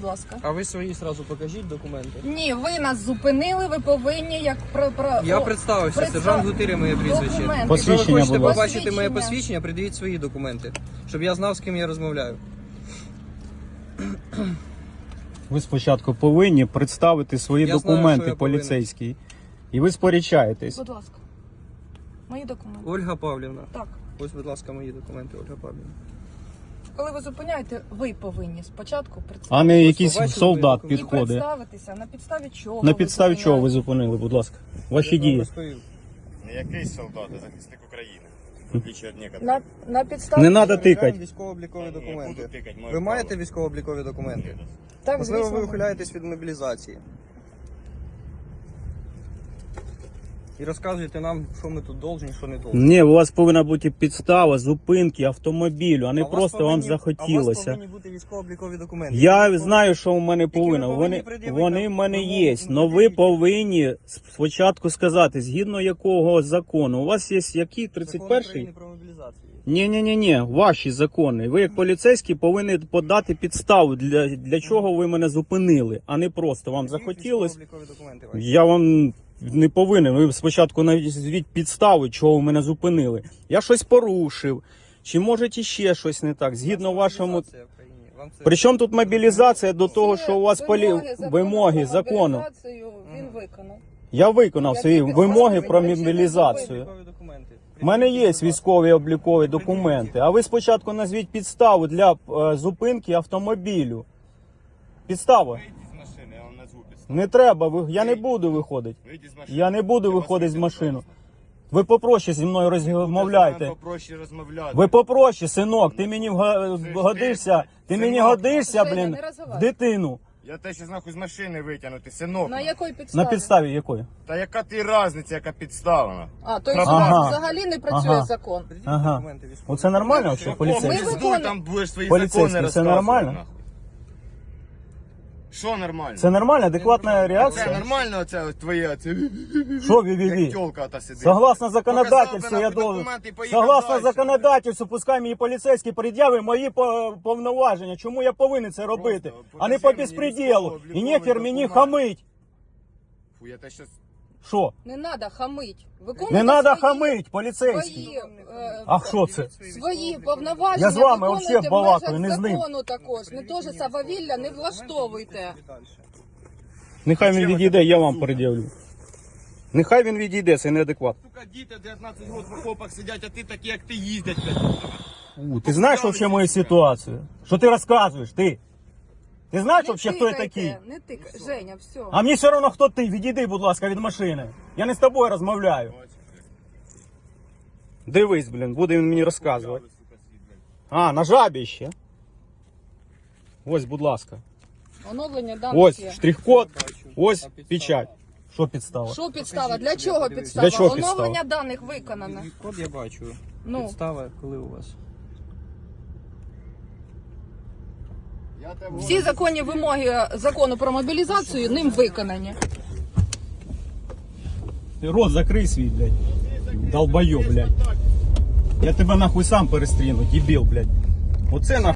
Будь ласка. А ви свої сразу покажіть документи. Ні, ви нас зупинили, ви повинні як Я представився, сержант Гутиря моє прізвище. Документи. Якщо ви Посвідчення, хочете будь ласка. побачити моє посвідчення, придивіть свої документи, щоб я знав, з ким я розмовляю. Ви спочатку повинні представити свої Я знаю, документи що я повинен. поліцейські. І ви сперечаєтесь. Будь ласка. Мої документи. Ольга Павлівна. Так. Ось, будь ласка, мої документи, Ольга Павлівна. Коли ви зупиняєте, ви повинні спочатку А представити. не якийсь побачили солдат ви І підходить. представитися, на підставі чого На ви підставі чого ви зупиняєте. зупинили, будь ласка? Ваші Я вам дії. розповів. Не якийсь солдат, а захисник України. В отличие від некоторых. На підставі... Не треба Перевіряємо тикати. військово-облікові Я не документи. буду тикати, моє Ви право. маєте військово-облікові документи? Так, Можливо, звісно. ви ухиляєтесь від мобілізації. І розказуєте нам, що ми тут должні, що не должні. Ні, у вас повинна бути підстава зупинки автомобілю, а не А у вас просто вам повинні- А у вас захотілося. повинні бути військово-облікові документи. Я знаю, що у мене Тільки ви повинно. повинні Вони пред'явити в мене вимогу, є. ну, Але ви пред'явіть. повинні спочатку сказати, згідно якого закону. У вас є який? Закон 31-й? України про мобілізацію. Ні, ваші закони. Ви як поліцейські повинні подати підставу, для чого ви мене зупинили, а не просто вам захотілось. Військово-облікові документи ваші. Я вам не повинен. Ви спочатку назвіть підстави, чого ви мене зупинили. Я щось порушив. Чи може ще щось не так? Згідно вашому. Мобілізація в країні. Вам це- Причому тут мобілізація до того, що у вас вимоги про закону. мобілізацію Він виконав. Я виконав Які свої підстави? вимоги про Причини мобілізацію. Військові документи. У мене є Пред'явіть, будь ласка. військові облікові документи, а ви спочатку назвіть підставу для зупинки автомобілю. Підстава. Вийдіть з машини, я вам назву підставу. Не треба, я не буду виходити. Вийдіть з машини. Я не буду Я вас виходити з вийду, машини. пожалуйста. Ви попроще зі мною розмовляйте. Попроще розмовляти. Ви попроще, синок, ти мені годишся, ти мені Синок. годишся, Женя, блін, не в розвивай. дитину. Я те, що нахуй з машини витягнути, синок. На якої підставі? На підставі якої? Та яка ти різниця, яка підстава? А, то Ага. взагалі не працює Ага. закон. Пред'явіть Ага. документи військові. Оце нормально, Ми взагалі, поліцейський? Ми Пиздуй, виконуємо. там будеш свої Поліцейський, закони це розказувати. нормально? нахуй. Що нормально? Це нормальна, адекватна Це реакція? нормально оце ось твоє, оце, Що як ві-ві-ві? тёлка та сидить. Согласно законодательству, Показав би я нахуй должен. документи і поїхав Согласно дальше. законодательству, пускай мені поліцейський пред'яви мої повноваження. Чому я повинен це робити? Просто А не по покажи мені безпреділу. І військово-обліковий нехер мені документ. хамить. Фу, я те щас... Що? Не треба хамить. Не треба хамить, поліцейський. Свої, А що це? свої повноваження Я з вами виконуйте взагалі в балакаю, межах не з ним. закону також. Не теж сававілля не влаштовуйте. Нехай він відійде, я вам пред'явлю. Нехай він відійде, це неадекват. Сука, діти 19 років в окопах сидять, а ти такі, як ти їздять, блядь. Ти знаєш взагалі мою ситуацію? Що ти розказуєш, ти? Ти знаєш взагалі, хто я такий? Не тикай, Женя, все. А мені все одно, хто ти. Відійди, будь ласка, від машини. Я не з тобою розмовляю. Дивись, блін, буде він мені розказувати. А, на жабі ще. Ось, будь ласка. Оновлення даних Ось є. штрих-код, ось печать. Що підстава? Що підстава? Для чого підстава? Для чого підстава? Оновлення даних виконане. Код я бачу. Ну. Підстава, коли у вас? Всі законні вимоги закону про мобілізацію ним виконані. Ти рот закрий свій, блядь. Долбойоб, блядь. Я тебе нахуй сам перестріну, дебіл, блядь. Оце нахуй.